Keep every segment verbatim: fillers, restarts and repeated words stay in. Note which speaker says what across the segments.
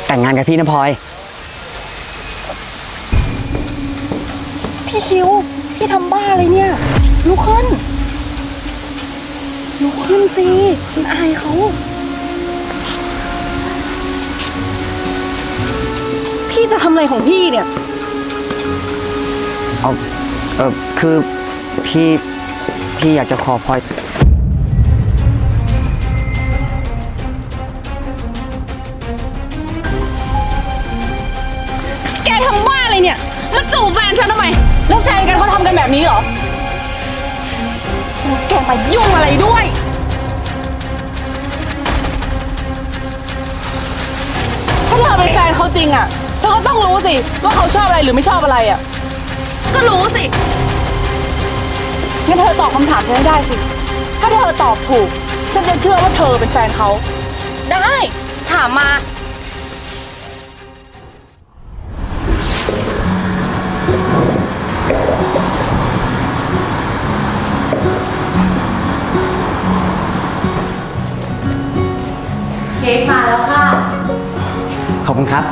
Speaker 1: แต่งงานกับพี่นะพลอย
Speaker 2: พี่ชิวพี่ทำบ้าอะไรเนี่ยลุกขึ้นลุกขึ้นสิฉันอายเขาพี่จะทำอะไรของพี่เนี่ย
Speaker 1: เอาเออคือพี่พี่อยากจะขอพลอย
Speaker 2: แกทำบ้าอะไรเนี่ยมาจูบแฟนฉันทำไมแล้วแฟนกันเขาทำกันแบบนี้เหรอแล้วแกมายุ่งอะไรด้วยถ้าเธอเป็นแฟนเขาจริงอ่ะเธอก็ต้องรู้สิว่าเขาชอบอะไรหรือไม่ชอบอะไรอ่ะก็รู้สิงั้นเธอตอบคำถามฉันให้ได้สิถ้าเธอตอบถูกฉันจะเชื่อว่าเธอเป็นแฟนเขาได้ถามมาเค้กมาแล้วค่ะ
Speaker 1: ขอบคุณครับ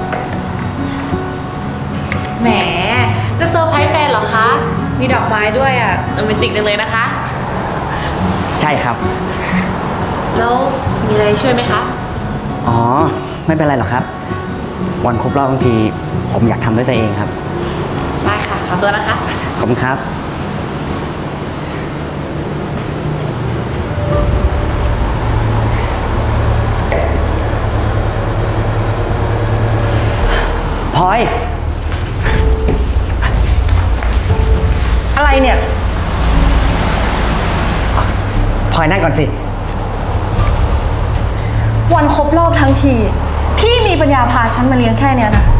Speaker 2: แหมจะเซอร์ไพรส์แฟนเหรอคะมีดอกไม้ด้วยอ่ะโรแมนติกจังเลยนะคะ
Speaker 1: ใช่ครับ
Speaker 2: แล้วมีอะไรช่วยไหมคะ
Speaker 1: อ๋อไม่เป็นไรหรอกครับวันครบรอบบางทีผมอยากทำด้วยตัวเองครับ
Speaker 2: ได้ค่ะขอตัวนะคะ
Speaker 1: ขอบคุณครับพลอย
Speaker 2: อะไรเนี่ย
Speaker 1: พลอยนั่งก่อนสิ
Speaker 2: วันครบรอบทั้งทีพี่มีปัญญาพาฉันมาเลี้ยงแค่เนี้ยนะ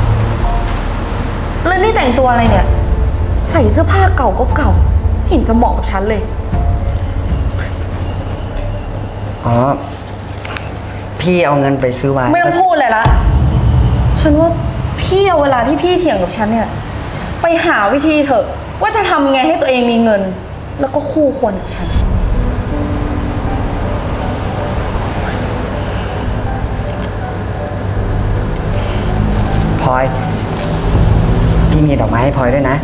Speaker 2: แล้วนี่แต่งตัวอะไรเนี่ยใส่เสื้อผ้าเก่าก็เก่าเห็นจะเหมาะกับฉันเลย
Speaker 1: อ๋อพี่เอาเงินไปซื้อไวน์
Speaker 2: ไม่ต้องพูดเลยละฉันว่าพี่เอาเวลาที่พี่เถียงกับฉันเนี่ยไปหาวิธีเถอะว่าจะทำไงให้ตัวเองมีเงินแล้วก็คู่ควรกับฉัน
Speaker 1: พลอยพี่มีดอกไม้ให้พลอยด้วยนะ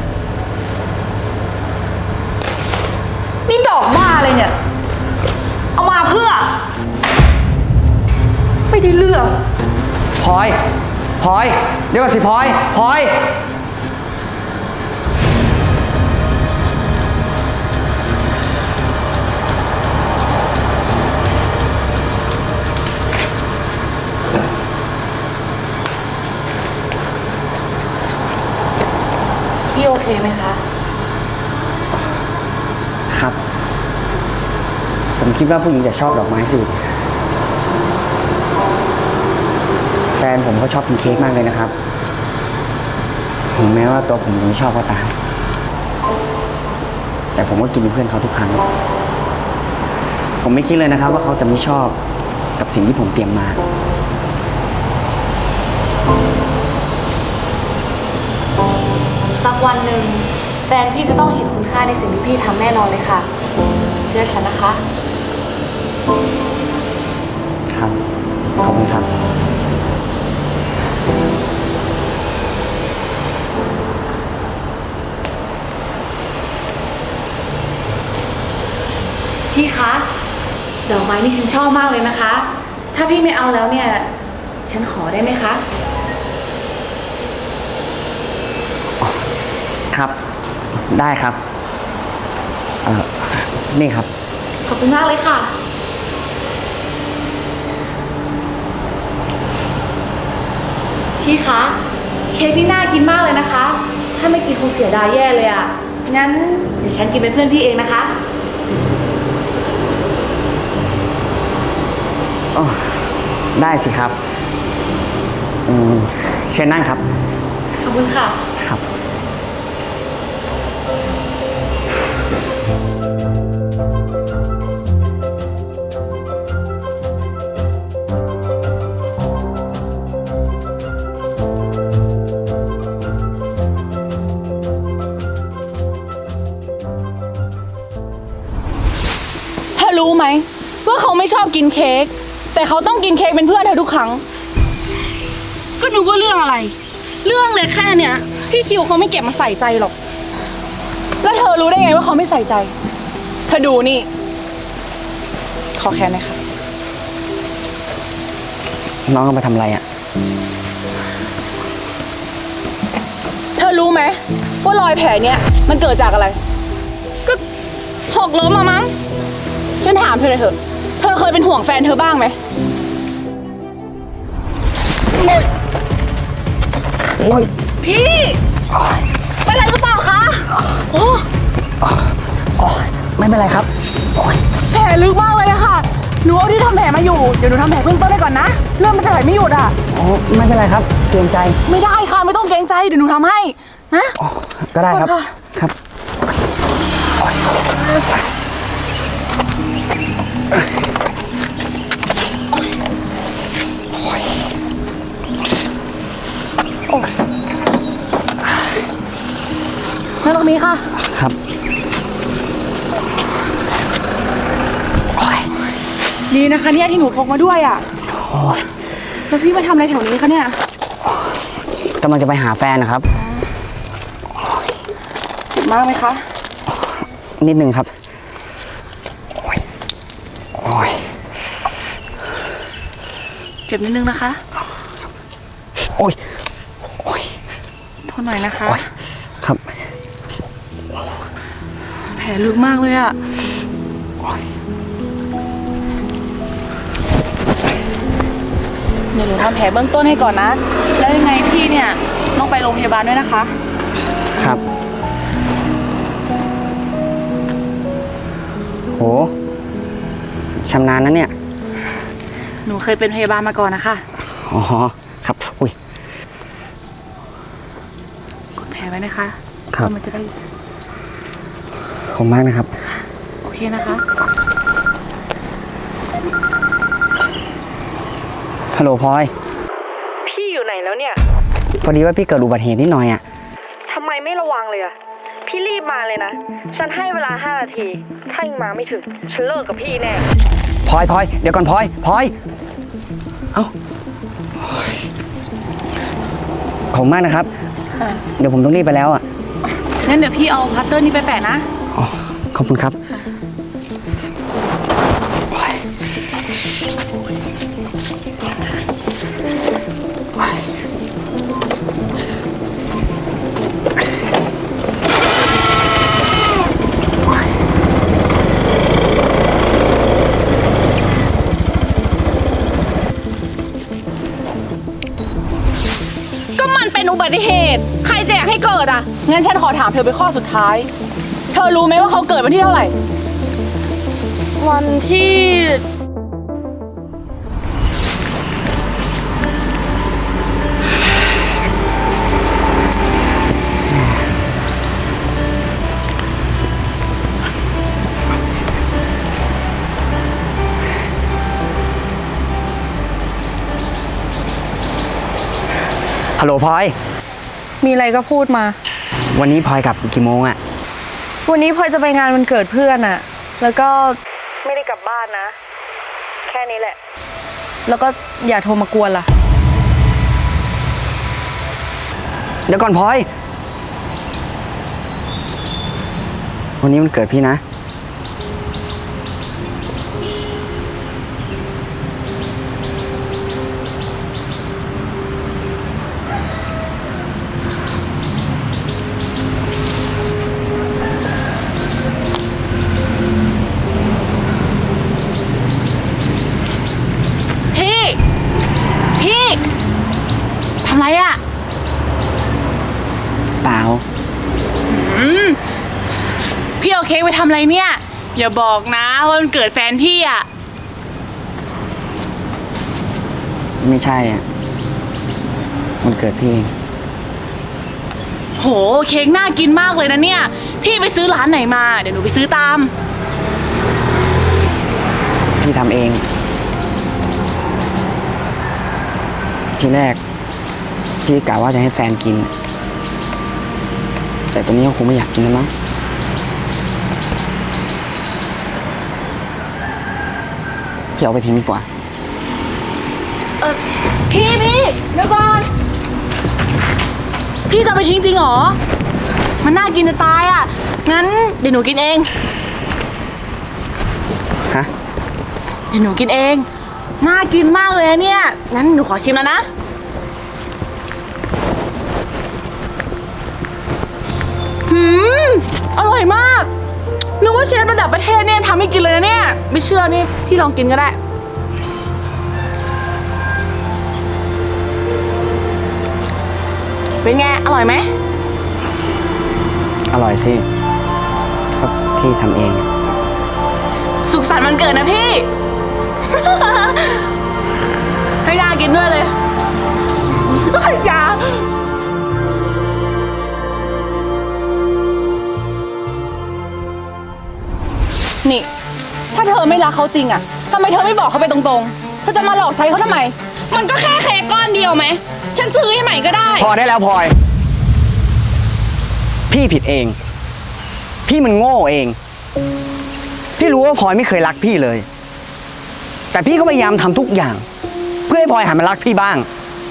Speaker 2: นี่ดอกบ้าอะไรเนี่ยเอามาเพื่อไม่ได้เลือก
Speaker 1: พลอยพลอยเดี๋ยวก่อนสิพลอยพลอย
Speaker 2: พี่โอเคไหมคะ
Speaker 1: ครับผมคิดว่าผู้หญิงจะชอบดอกไม้สิแฟนผมก็ชอบกินเค้กมากเลยนะครับถึงแม้ว่าตัวผมจะไม่ชอบก็ตามแต่ผมก็กินเป็นเพื่อนเขาทุกครั้งผมไม่คิดเลยนะครับว่าเขาจะไม่ชอบกับสิ่งที่ผมเตรียมมา
Speaker 2: สักวันหนึ่งแฟนพี่จะต้องเห็นคุณค่าในสิ่งที่พี่ทำแน่นอนเลยค่ะเชื่อฉันนะคะ
Speaker 1: ครับขอบคุณครับ
Speaker 2: พี่คะดอกไม้นี่ฉันชอบมากเลยนะคะถ้าพี่ไม่เอาแล้วเนี่ยฉันขอได้ไหมคะ
Speaker 1: ครับได้ครับเอ่อนี่ครับ
Speaker 2: ขอบคุณมากเลยค่ะพี่คะเค้กนี่น่ากินมากเลยนะคะถ้าไม่กินคงเสียดายแย่เลยอ่ะงั้นเดี๋ยวฉันกินเป็นเพื่อนพี่เองนะคะ
Speaker 1: อ๋อได้สิครับอืมเชิญนั่งครับ
Speaker 2: ขอบคุณค่ะ
Speaker 1: ครับ
Speaker 2: รู้ไหมว่าเขาไม่ชอบกินเค้กแต่เขาต้องกินเค้กเป็นเพื่อนเธอทุกครั้งก็นึกว่าเรื่องอะไร เรื่องเลยแค่เนี้ยพี่คิวเขาไม่เก็บมาใส่ใจหรอก แล้วเธอรู้ได้ไงว่าเขาไม่ใส่ใจ เธอดูนี่ ขอแค่ไหมคะ
Speaker 1: น้องเอามาทำอะไรอ่ะ
Speaker 2: เธอรู้ไหมว่ารอยแผลเนี้ยมันเกิดจากอะไร ก็หกล้มมามั้ง ฉันถามเธอเลยเถอะ เธอเคยเป็นห่วงแฟนเธอบ้างไหม
Speaker 1: โอ้ย
Speaker 2: พี่เป็นอะไรหรือเปล่าคะโอ้
Speaker 1: อ๋อไม่เป็นไรครับ โอ้ย
Speaker 2: แผลลึกมากเลยอะค่ะ หนูเอาที่ทำแผลมาอยู่ เดี๋ยวหนูทำแผลเบื้องต้นได้ก่อนนะ เริ่มมันจะไหลไม่หยุดอะ
Speaker 1: อ๋อไม่เป็นไรครับเกรงใจ
Speaker 2: ไม่ได้ค่ะ ไม่ต้องเกรงใจ เดี๋ยวหนูทำให้ นะ
Speaker 1: อ๋อก็ได้ครับ
Speaker 2: ขอบคุณค่ะ
Speaker 1: ครับโอ๊ย
Speaker 2: นั่งตรงนี้ค่ะ
Speaker 1: ครับโอ๊ย
Speaker 2: ดีนะคะเนี่ยที่หนูพกมาด้วยอะแล้วพี่มาทำอะไรแถวนี้คะเนี่ย
Speaker 1: กำลังจะไปหาแฟนนะครับ
Speaker 2: เจ็บมากไหมคะ
Speaker 1: นิดนึงครับ โอ้ย โอ้ย
Speaker 2: เจ็บนิดนึงนะคะ
Speaker 1: โอ้ย โอ้ย
Speaker 2: ทนหน่อยนะคะ
Speaker 1: โอ้ย ครับ
Speaker 2: แผลลึกมากเลยอะเดี๋ยวหนูทำแผลเบื้องต้นให้ก่อนนะ แล้วยังไงพี่เนี่ยต้องไปโรงพยาบาลด้วยนะคะ
Speaker 1: ครับ โห ชำนาญนะเนี่ย
Speaker 2: หนูเคยเป็นพยาบาลมาก่อนนะคะ
Speaker 1: อ๋อ ครับ อุ้ย
Speaker 2: กดแผลไว้นะคะ
Speaker 1: ครับ
Speaker 2: เพื่อมันจะได้
Speaker 1: ขอบคุณมากนะครับ
Speaker 2: โอเคนะคะ
Speaker 1: ฮัลโหลพลอย
Speaker 2: พี่อยู่ไหนแล้วเนี่ย
Speaker 1: พอดีว่าพี่เกิดอุบัติเหตุนิดหน่อยอ่ะ
Speaker 2: ทำไมไม่ระวังเลยอะพี่รีบมาเลยนะ ฉันให้เวลาห้านาที ถ้ายังมาไม่ถึง ฉันเลิกกับพี่แน่
Speaker 1: พลอยพลอยเดี๋ยวก่อนพลอยพลอย เอ้าขอบคุณมากนะครับ เดี๋ยวผมต้องรีบไปแล้วอ่ะ
Speaker 2: งั้นเดี๋ยวพี่เอาพัตเตอร์นี้ไปแปะนะ
Speaker 1: อ๋อ ขอบคุณครับ
Speaker 2: ก็มันเป็นอุบัติเหตุ ใครจะอยากให้เกิดอ่ะ งั้นฉันขอถามเธอเป็นข้อสุดท้าย เธอรู้ไหมว่าเขาเกิดวันที่เท่าไหร่ วันที่
Speaker 1: ฮัลโหลพลอย
Speaker 2: มีอะไรก็พูดมา
Speaker 1: วันนี้พลอยกลับกี่โมงอ่ะ
Speaker 2: วันนี้พลอยจะไปงานวันเกิดเพื่อนอะแล้วก็ไม่ได้กลับบ้านนะ แค่นี้แหละ แล้วก็อย่าโทรมากวนล่ะ
Speaker 1: เดี๋ยวก่อนพลอย วันนี้มันเกิดพี่นะ
Speaker 2: พี่ พี่ทำไรอะ
Speaker 1: เปล่า
Speaker 2: พี่เอาเค้กไปทำอะไรเนี่ย อย่าบอกนะว่ามันเกิดแฟนพี่อะ
Speaker 1: ไม่ใช่อ่ะ มันเกิดพี่เอง
Speaker 2: โหเค้กน่ากินมากเลยนะเนี่ย พี่ไปซื้อร้านไหนมา เดี๋ยวหนูไปซื้อตาม
Speaker 1: พี่ทำเอง ทีแรก พี่กะว่าจะให้แฟนกิน แต่ตอนนี้เขาคงไม่อยากกินแล้วมั้งพี่เอาไปทิ้งดีกว่า
Speaker 2: เออพี่พี่เดี๋ยวก่อน พี่จะเอาไปทิ้งจริงเหรอ มันน่ากินจะตายอ่ะ งั้นเดี๋ยวหนูกินเอง
Speaker 1: ฮะ
Speaker 2: เดี๋ยวหนูกินเอง น่ากินมากเลยอะเนี่ย งั้นหนูขอชิมแล้วนะ หืม อร่อยมาก นึกว่าเชฟระดับประเทศเนี่ยทำให้กินเลยนะเนี่ย ไม่เชื่อนี่พี่ลองกินก็ได้ เป็นไง อร่อยไหม
Speaker 1: อร่อยสิก็พี่ทำเอง
Speaker 2: สุขสันต์วันเกิดนะพี่ ให้น่ากินด้วยเลยอย่านี่ ถ้าเธอไม่รักเขาจริงอะทำไมเธอไม่บอกเขาไปตรงๆ เธอจะมาหลอกใช้เขาทำไม มันก็แค่เค้กก้อนเดียวไหม ฉันซื้อให้ใหม่ก็ได้
Speaker 1: พอได้แล้วพลอย พี่ผิดเอง พี่มันโง่เอง พี่รู้ว่าพลอยไม่เคยรักพี่เลย แต่พี่ก็พยายามทำทุกอย่าง เพื่อให้พลอยหันมารักพี่บ้าง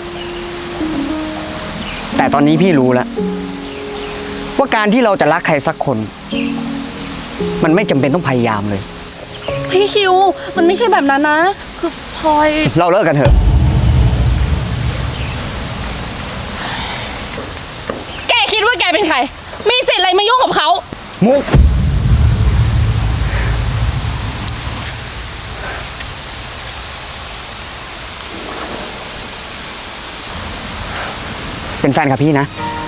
Speaker 1: แต่ตอนนี้พี่รู้แล้วว่าการที่เราจะรักใครสักคน มันไม่จำเป็นต้องพยายามเลย
Speaker 2: พี่คิว มันไม่ใช่แบบนั้นนะ คือพลอย
Speaker 1: เราเลิกกันเถอะ
Speaker 2: แกคิดว่าแกเป็นใคร มีสิทธิ์อะไรมายุ่งกับเขา
Speaker 1: มุก เป็นแฟนกับพี่นะ
Speaker 2: ฮ